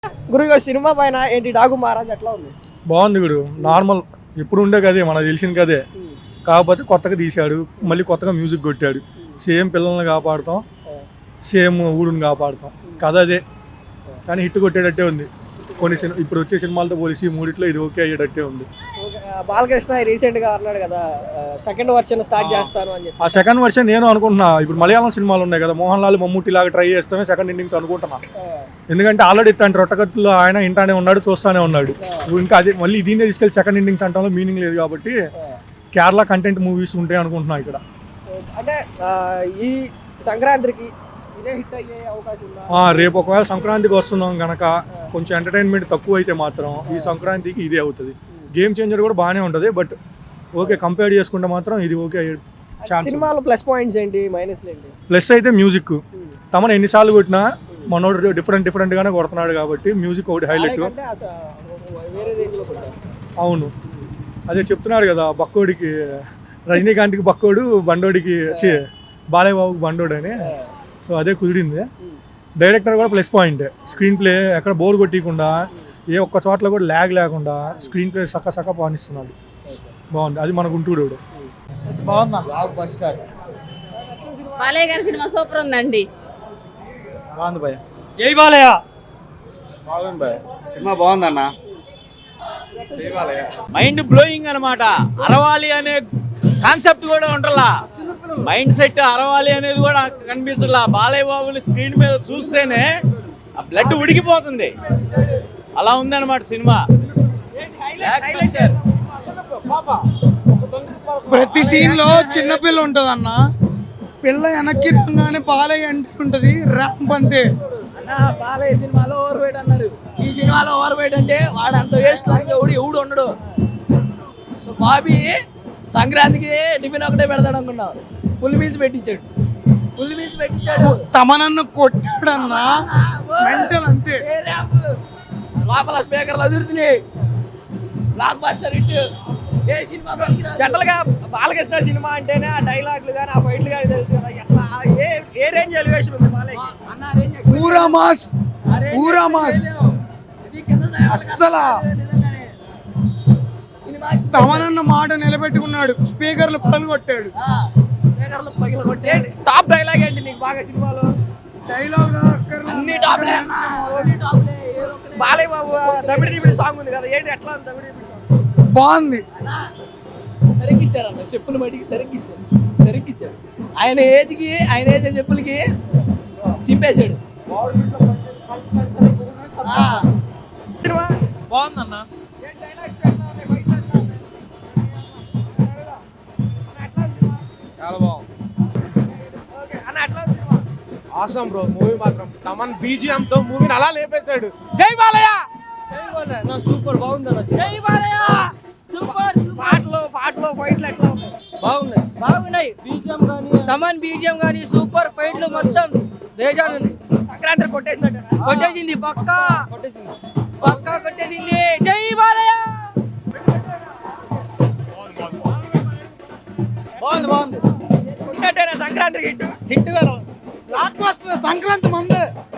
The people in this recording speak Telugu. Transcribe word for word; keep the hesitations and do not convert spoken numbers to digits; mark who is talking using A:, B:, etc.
A: గురుగా సినిమా పైన ఏంటి డాకు మహారాజ్ ఎట్లా ఉంది?
B: బాగుంది గురు, నార్మల్ ఎప్పుడు ఉండే కదే, మనకు తెలిసిన కదే. కాకపోతే కొత్తగా తీశాడు, మళ్ళీ కొత్తగా మ్యూజిక్ కొట్టాడు. సేమ్ పిల్లల్ని కాపాడుతాం, సేమ్ ఊరుని కాపాడుతాం, కథ అదే. కానీ హిట్ కొట్టేటట్టే ఉంది. కొన్ని సినిమా ఇప్పుడు వచ్చే సినిమాలతో పోలిసి మూడిట్లో ఇది ఓకే అయ్యేటట్టే ఉంది.
A: బాలకృష్ణ రీసెంట్ గా అన్నాడు కదా సెకండ్ వర్షన్ స్టార్ట్ చేస్తాను అని చెప్పి.
B: ఆ సెకండ్ వర్షన్ నేను అనుకుంటున్నా. ఇప్పుడు మలయాళం సినిమాలు ఉన్నాయి కదా, మోహన్ లాల్ మమ్ముట్టి లాగా ట్రై చేస్తామే సెకండ్ ఇన్నింగ్స్ అనుకుంటున్నా. ఎందుకంటే ఆల్రెడీ ఇట్లాంటి రొట్టకత్తులో ఆయన ఇంటానే ఉన్నాడు, చూస్తానే ఉన్నాడు. ఇంకా అదే మళ్ళీ దీన్నే తీసుకెళ్ళి సెకండ్ ఇన్నింగ్స్ అంటాలో మీనింగ్ లేదు కాబట్టి కేరళ కంటెంట్ మూవీస్ ఉంటాయి అనుకుంటున్నా ఇక్కడ.
A: అంటే ఈ సంక్రాంతికి ఇదే హిట్ అయ్యే అవకాశం ఉందా?
B: రేపు ఒకవేళ సంక్రాంతికి వస్తున్నాం కనుక కొంచెం ఎంటర్టైన్మెంట్ తక్కువ అయితే మాత్రం ఈ సంక్రాంతికి ఇదే అవుతుంది. గేమ్ చేంజర్ కూడా బాగానే ఉంటుంది, బట్ ఓకే కంపేర్ చేసుకుంటే మాత్రం ఇది ఓకే ఛాన్స్.
A: సినిమాలో ప్లస్ పాయింట్స్ ఏంటి, మైనస్ ఏంటి?
B: ప్లస్ అయితే మ్యూజిక్. తమను ఎన్నిసార్లు కొట్టినా మనోడు డిఫరెంట్ డిఫరెంట్ గానే కొడుతున్నాడు కాబట్టి మ్యూజిక్ ఒకటి హైలైట్. అవును, అదే చెప్తున్నారు కదా, బక్కోడికి రజనీకాంత్కి బక్కోడు, బండోడికి వచ్చి బాలయ్య బాబుకి బండోడు అని. సో అదే కుదిరింది. డైరెక్టర్ కూడా ప్లస్ పాయింట్. స్క్రీన్ ప్లే ఎక్కడ బోర్ కొట్టకుండా, ఏ ఒక్క చోట్ల కూడా ల్యాగ్ లేకుండా స్క్రీన్ ప్లే సక్క సక్క పానిస్తున్నాడు. బాగుంది, అది మన గుంటూరు.
C: బాలయ్య గారి సినిమా సూపర్ ఉందండి.
B: బాగుంది భయ్య.
D: జై బాలయ్య.
E: బాగుంది భయ్య, సినిమా బాగుందన్న.
D: మైండ్ బ్లోయింగ్ అనమాట. అరవాలి అనే కాన్సెప్ట్ కూడా ఉంటలా, మైండ్ సెట్ అరవాలి అనేది కూడా కనిపించట్లా. బాలయ్య బాబుని స్క్రీన్ మీద చూస్తేనే ఆ బ్లడ్ ఉడికిపోతుంది, అలా ఉందన్నమాట సినిమా.
F: ప్రతి సీన్ లో చిన్నపిల్ల ఉంటది అన్న, పిల్ల వెనక్కి రాగానే బాలయ్య అంటే ఉంటది, ర్యాంప్ అంతే.
G: బాలయ్య సినిమాలో ఓవర్ వెయిట్ అన్నారు, ఈ సినిమాలో ఓవర్ వెయిట్ అంటే వాడు అంత వేస్ట్ ఎవడు ఎవడు ఉండడు. సో బాబీ సంక్రాంతికి టిఫిన్ ఒకటే పెడతాడు అనుకున్నావు, ఫుల్ మీల్స్ పెట్టించాడు, ఫుల్ మీల్స్ పెట్టించాడు.
F: తమనన్ను కొట్టాడన్నా, మెంటల్ అంతే.
G: లోపల స్పీకర్లు అదురుతున్నాయి, బ్లాక్ బస్టర్ హిట్. ఏ సినిమా
A: జనరల్ గా బాలకృష్ణ సినిమా అంటేనే ఆ డైలాగులు కానీ ఆ ఫైట్లు కానీ తెలుసు కదా. అసలు ఏ ఏ రేంజ్ ఎలివేషన్ ఉంది బాలయ్య?
F: పూరా మాస్, పూరా మాస్. అస్సలా తమనన్న మాట నిలబెట్టుకున్నాడు, స్పీకర్లు పగలు కొట్టాడు.
G: స్పీకర్లు పగలు కొట్టే
A: టాప్ డైలాగ్ ఏంటి నీకు బాగా సినిమాలో?
F: డైలాగ్
G: అన్ని టాప్లే, అన్ని టాప్లే.
A: బాలయ్య బాబు దబిడి దిబిడి సాంగ్ ఉంది కదా, ఏంటి ఎట్లా ఉంది దబిడి దిబిడి సాంగ్?
F: బాగుంది.
G: సరిగ్గిచ్చారు అన్న, స్టెప్పులు మట్టికి సరిగ్గిచ్చారు, సరిగ్గిచ్చారు. ఆయన ఏజ్కి ఆయన ఏజ్ చెప్పులకి చింపేశాడు.
D: బాగుందన్న.
E: చాలా బాగుంది. ఆసం బ్రో, మూవీ మాత్రం తమన్ బీజిఎం తో మూవీని అలా లేపేశాడు. జై బాలయ్య.
A: సూపర్ బాగుంది.
G: జై బాలయ్య సూపర్.
A: పాటలు పాటలు ఫైట్లు ఎట్లా ఉన్నాయి?
G: బాగున్నాయి, బాగున్నాయి. బీజిఎం కానీ తమన్ బీజిఎం కానీ సూపర్. ఫైట్లు మొత్తం బేజాన్ ఉన్నాయి.
A: సంక్రాంతి కొట్టేసినట్టు
G: కొట్టేసింది, పక్కా
A: కొట్టేసింది,
G: పక్కా కొట్టేసింది. జై బాలయ్య.
E: బాగుంది బాగుంది.
A: కొట్టేటేనా సంక్రాంతికి హిట్
F: హిట్ గారు సంక్రాంతి మందే.